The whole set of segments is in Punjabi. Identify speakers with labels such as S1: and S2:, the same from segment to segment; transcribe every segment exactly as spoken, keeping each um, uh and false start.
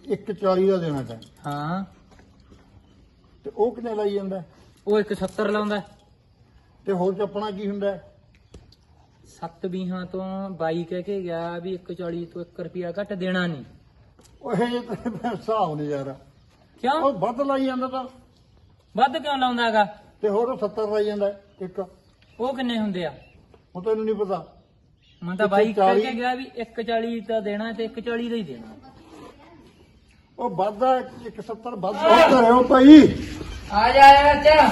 S1: ਇੱਕ ਚਾਲੀ ਦਾ ਦੇਣਾ ਤੈਂ
S2: ਹਾਂ
S1: ਤੇ ਉਹ ਕਿੰਨੇ ਲਾਈ ਜਾਂਦਾ
S2: ਉਹ ਇੱਕ ਸੱਤਰ ਲਾਉਂਦਾ
S1: ਤੇ ਹੋਰ ਚੱਪਣਾ ਕੀ ਹੁੰਦਾ
S2: ਸੱਤ ਵੀਹਾਂ ਤੋਂ ਬਾਈ ਕਹਿ ਕੇ ਗਿਆ ਵੀ ਇੱਕ ਚਾਲੀ ਤੋਂ ਇੱਕ ਰੁਪਿਆ ਘੱਟ ਦੇਣਾ ਨਹੀਂ।
S1: ਉਹ ਇਹ ਹਿਸਾਬ ਨਹੀਂ ਯਾਰ
S2: ਕਿਉਂ
S1: ਉਹ ਵੱਧ ਲਾਈ ਜਾਂਦਾ ਤਾਂ
S2: ਵੱਧ ਕਿਉਂ ਲਾਉਂਦਾ ਹੈਗਾ
S1: ਤੇ ਹੋਰ ਸੱਤਰ ਲਾਈ ਜਾਂਦਾ ਇੱਕ
S2: ਉਹ ਕਿੰਨੇ ਹੁੰਦੇ ਆ
S1: ਉਹ ਤੈਨੂੰ ਨਹੀਂ ਪਤਾ
S2: ਮੈਂ ਤਾਂ ਬਾਈ ਕਹਿ ਕੇ ਗਿਆ ਵੀ ਇੱਕ ਚਾਲੀ ਤਾਂ ਦੇਣਾ ਤੇ ਇੱਕ ਚਾਲੀ ਦਾ ਹੀ ਦੇਣਾ।
S1: ਉਹ ਵੱਧਦਾ ਇੱਕ ਸੱਤਰ ਵੱਧ ਕਰਿਓ ਭਾਈ
S2: ਆ ਜਾ ਚਾਚਾ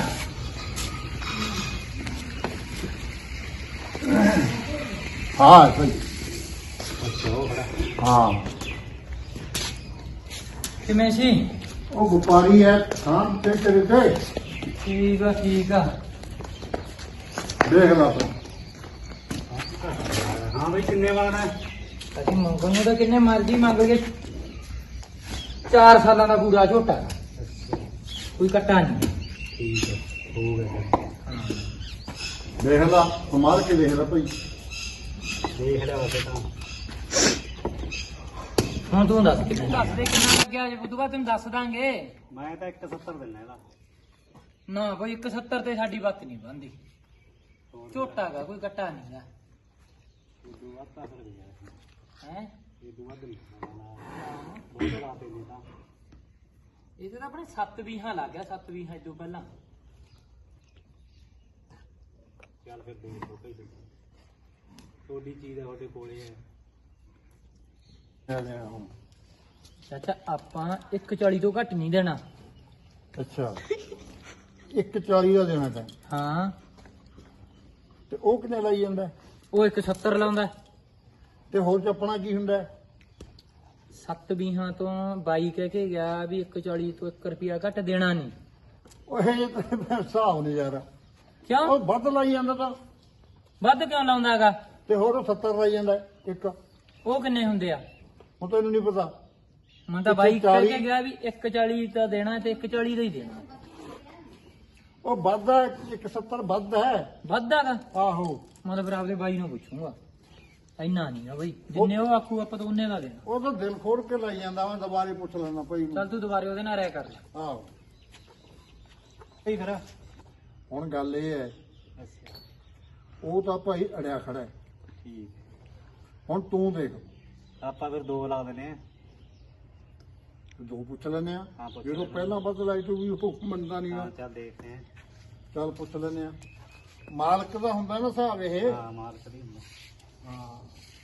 S1: ਹਾਂ ਭਾਈ ਹਾਂ
S2: ਕਿਵੇਂ ਸੀ
S1: ਉਹ ਵਪਾਰੀ ਹੈ ਹਾਂ ਤੇ ਤੇਰੇ ਤੇ
S2: ਠੀਕ ਆ ਠੀਕ ਆ
S1: ਦੇਖ ਲਾ ਤੂੰ
S3: ਹਾਂ ਬਈ ਕਿੰਨੇ ਵਾਲਾ
S2: ਅਸੀਂ ਮੰਗਣ ਨੂੰ ਤਾਂ ਕਿੰਨੇ ਮਰਜ਼ੀ ਮੰਗ ਲਈਏ ਚਾਰ ਸਾਲਾਂ ਦਾ ਪੂਰਾ ਝੋਟਾ ਕੋਈ ਕੱਟਾ ਨਹੀਂ।
S3: ਠੀਕ ਹੈ ਹੋ ਗਿਆ
S1: ਦੇਖ ਲਾ ਕਮਾਲ ਕੇ ਦੇਖ ਲਾ ਭਾਈ
S3: ਦੇਖ ਲਿਆ ਵਸੇ ਤਾਂ
S2: ਹੁਣ ਤੂੰ ਦੱਸ ਕਿੰਨਾ ਦੱਸ ਦੇ ਕਿੰਨਾ ਲੱਗਿਆ ਜੇ ਉਦੋਂ ਬਾਅਦ ਤੈਨੂੰ ਦੱਸ ਦਾਂਗੇ।
S3: ਮੈਂ ਤਾਂ ਇੱਕ ਸੱਤਰ ਦਿੰਦਾ ਇਹਦਾ
S2: ਨਾ ਕੋਈ ਇੱਕ ਸੱਤਰ ਤੇ ਸਾਡੀ ਬਾਤ ਨਹੀਂ ਬਣਦੀ ਝੋਟਾ ਗਾ ਕੋਈ ਕੱਟਾ ਨਹੀਂ ਗਾ
S3: ਇਹ ਵੱਧ ਤਾਂ ਫਿਰ ਗਿਆ
S2: ਹੈ
S3: ਇਹ ਵੱਧ ਨਹੀਂ ਬਹੁਤ ਰਾਤੇ ਨੇ ਤਾਂ
S2: ਇਹਦੇ ਤਾਂ ਆਪਣੇ ਸੱਤ ਵੀਹਾਂ ਲੱਗ ਗਿਆ ਸੱਤ ਵੀਹਾਂ ਤੋਂ ਪਹਿਲਾਂ
S3: ਚੱਲ ਫਿਰ ਦੇ ਦੋ ਕਈ ਦੇ ਤੁਹਾਡੀ ਚੀਜ਼ ਹੈ ਤੁਹਾਡੇ ਕੋਲੇ ਹੈ
S2: ਚਾਚਾ ਆਪਾਂ ਇੱਕ ਚਾਲੀ ਤੋਂ ਘੱਟ ਨਹੀਂ ਦੇਣਾ।
S1: ਅੱਛਾ ਇੱਕ ਚਾਲੀ ਦਾ ਦੇਣਾ ਤੈਂ
S2: ਹਾਂ
S1: ਤੇ ਉਹ ਕਿੰਨੇ ਲਾਈ ਜਾਂਦਾ
S2: ਉਹ ਇੱਕ ਸੱਤਰ ਲਾਉਂਦਾ
S1: ਤੇ ਹੋਰ ਚੱਪਣਾ ਕੀ ਹੁੰਦਾ
S2: ਸੱਤ ਵੀਹਾਂ ਤੋਂ ਬਾਈ ਕਹਿ ਕੇ ਗਿਆ ਵੀ ਇੱਕ ਚਾਲੀ ਤੋਂ ਇੱਕ ਰੁਪਿਆ ਘੱਟ ਦੇਣਾ ਨਹੀਂ।
S1: ਉਹ ਇਹ ਹਿਸਾਬ ਨਹੀਂ ਯਾਰ
S2: ਕਿਉਂ
S1: ਉਹ ਵੱਧ ਲਾਈ ਜਾਂਦਾ ਤਾਂ
S2: ਵੱਧ ਕਿਉਂ ਲਾਉਂਦਾ ਹੈਗਾ
S1: ਤੇ ਹੋਰ ਸੱਤਰ ਲਾਈ ਜਾਂਦਾ ਇੱਕ
S2: ਉਹ ਕਿੰਨੇ ਹੁੰਦੇ ਆ
S1: ਉਹ ਤੈਨੂੰ ਨਹੀਂ ਪਤਾ
S2: ਮੈਂ ਤਾਂ ਬਾਈ ਕਹਿ ਕੇ ਗਿਆ ਵੀ ਇੱਕ ਚਾਲੀ ਤਾਂ ਦੇਣਾ ਤੇ ਇੱਕ ਚਾਲੀ ਦਾ ਹੀ ਦੇਣਾ।
S1: ਉਹ ਵੱਧਦਾ ਇੱਕ ਸੱਤਰ ਵੱਧ ਹੈ
S2: ਵੱਧ ਹੈਗਾ
S1: ਆਹੋ
S2: ਮੈਂ ਤਾਂ ਫਿਰ ਆਪਦੇ ਬਾਈ ਨੂੰ ਪੁੱਛੂੰਗਾ ਇੰਨਾ ਨਹੀਂ ਨਾ ਬਈ ਜਿੰਨੇ ਉਹ ਆਖੂ ਆਪਾਂ ਤਾਂ ਉਹਨੇ ਦਾ ਦੇਣਾ।
S1: ਉਹ ਤਾਂ ਦਿਲ ਖੋੜ ਕੇ ਲਾਈ ਜਾਂਦਾ ਮੈਂ ਦੁਬਾਰੇ ਪੁੱਛ ਲੈਣਾ ਭਾਈ ਨੂੰ
S2: ਚੱਲ ਤੂੰ ਦੁਬਾਰੇ ਉਹਦੇ ਨਾਲ ਰਹਿ ਕਰ ਲੈ।
S1: ਆਹੋ
S3: ਸਹੀ ਫਿਰ
S1: ਹੁਣ ਗੱਲ ਇਹ ਹੈ
S3: ਅੱਛਾ
S1: ਉਹ ਤਾਂ ਭਾਈ ਅੜਿਆ ਖੜਾ ਹੈ
S3: ਠੀਕ
S1: ਹੁਣ ਤੂੰ ਦੇਖ
S3: ਆਪਾਂ ਫਿਰ ਦੋ ਲਾ ਦਿੰਦੇ ਆ
S1: ਦੋ ਪੁੱਛ ਲੈਨੇ ਆ
S3: ਹਾਂ, ਪੁੱਛ
S1: ਜਦੋਂ
S3: ਲੈਂਦੇ
S1: ਪਹਿਲਾਂ ਵੱਧ ਲਾਈ ਤੂੰ ਵੀ ਉਹ ਮੰਨਦਾ ਨਹੀਂ
S3: ਹਾਂ
S1: ਨਾ
S3: ਚੱਲ ਦੇਖਦੇ ਆ
S1: ਚੱਲ ਪੁੱਛ ਲੈਨੇ ਆ ਮਾਲਕ ਦਾ ਹੁੰਦਾ ਨਾ ਹਿਸਾਬ ਇਹ
S3: ਹਾਂ ਮਾਲਕ ਦੀ ਹੁੰਦਾ
S1: ਹਾਂ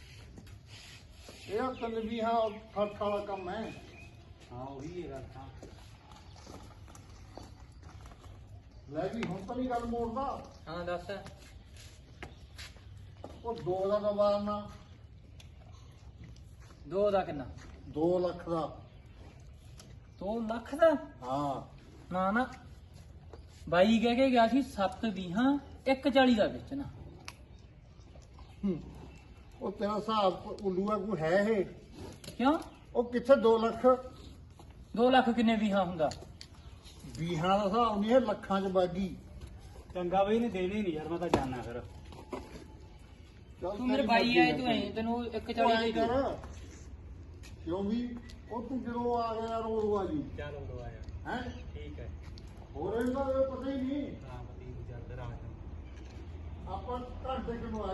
S1: ਇਹ ਤਨ ਵੀ ਹਾਂ ਫਰਕ ਵਾਲਾ ਕੰਮ ਹੈ
S3: ਹਾਂ ਉਹੀ ਹੈ ਗੱਲ ਤਾਂ
S1: ਲੈ ਵੀ ਹੁਣ ਤਾਂ ਨਹੀਂ ਗੱਲ ਮੋੜਦਾ
S2: ਹਾਂ ਦੱਸ
S1: ਉਹ ਦੋ ਦਾ ਦਵਾਨਾ
S2: ਦੋ ਦਾ ਕਿੰਨਾ
S1: ਦੋ ਲੱਖ ਦਾ
S2: ਦੋ ਲੱਖ ਦਾ
S1: ਹਾਂ
S2: ਨਾ ਨਾ ਬਾਈ ਕਹਿ ਕੇ ਗਿਆ ਸੀ ਸੱਤ ਵੀਹਾਂ ਇੱਕ ਚਾਲੀ ਦਾ ਵੇਚਣਾ।
S1: ਹੂੰ। ਉਹ ਤੇਰਾ ਹਿਸਾਬ ਉੱਲੂਆ ਕੋਈ ਹੈ ਇਹ
S2: ਕਿਉਂ
S1: ਉਹ ਕਿੱਥੇ ਦੋ ਲੱਖ
S2: ਦੋ ਲੱਖ ਕਿੰਨੇ ਵੀਹਾਂ ਹੁੰਦਾ
S1: ਵੀਹਾਂ ਦਾ ਹਿਸਾਬ ਨਹੀਂ ਇਹ ਲੱਖਾਂ ਚ ਬਾਗੀ
S3: ਚੰਗਾ ਬਈ ਨੇ ਦੇਣੇ ਨਹੀਂ ਯਾਰ ਮੈਂ ਤਾਂ ਜਾਣਾ ਫਿਰ
S1: ਚੱਲ
S2: ਤੂੰ ਮੇਰੇ
S1: ਤੇਰੀ
S2: ਬਾਈ
S1: ਮਰਜ਼ੀ
S2: ਆਏ
S1: ਹੈ
S2: ਤੂੰ
S1: ਭਾਈ।
S2: ਐ ਤੈਨੂੰ ਇੱਕ
S1: ਉਹ
S2: ਚਾਲੀ
S1: ਐਂ
S2: ਦੇ
S1: ਕਰ
S2: ਦੇ।
S1: ਕਿਉਂ ਵੀ ਉਹ ਤੂੰ ਜਦੋਂ ਆ ਗਿਆ ਰੋੜ ਆ ਜੀ
S3: ਚੱਲ ਉਦੋਂ ਆਇਆ
S1: ਹੈ
S3: ਠੀਕ ਹੈ
S1: ਹੋਰ ਇਹਦਾ ਪਤਾ ਹੀ ਨਹੀਂ
S3: ਹਾਂ ਪਤੀ ਨੂੰ ਚੱਲ ਫਿਰ ਆ ਜਾ
S1: ਆਪਾਂ ਘੰਟੇ ਕਿਨੂੰ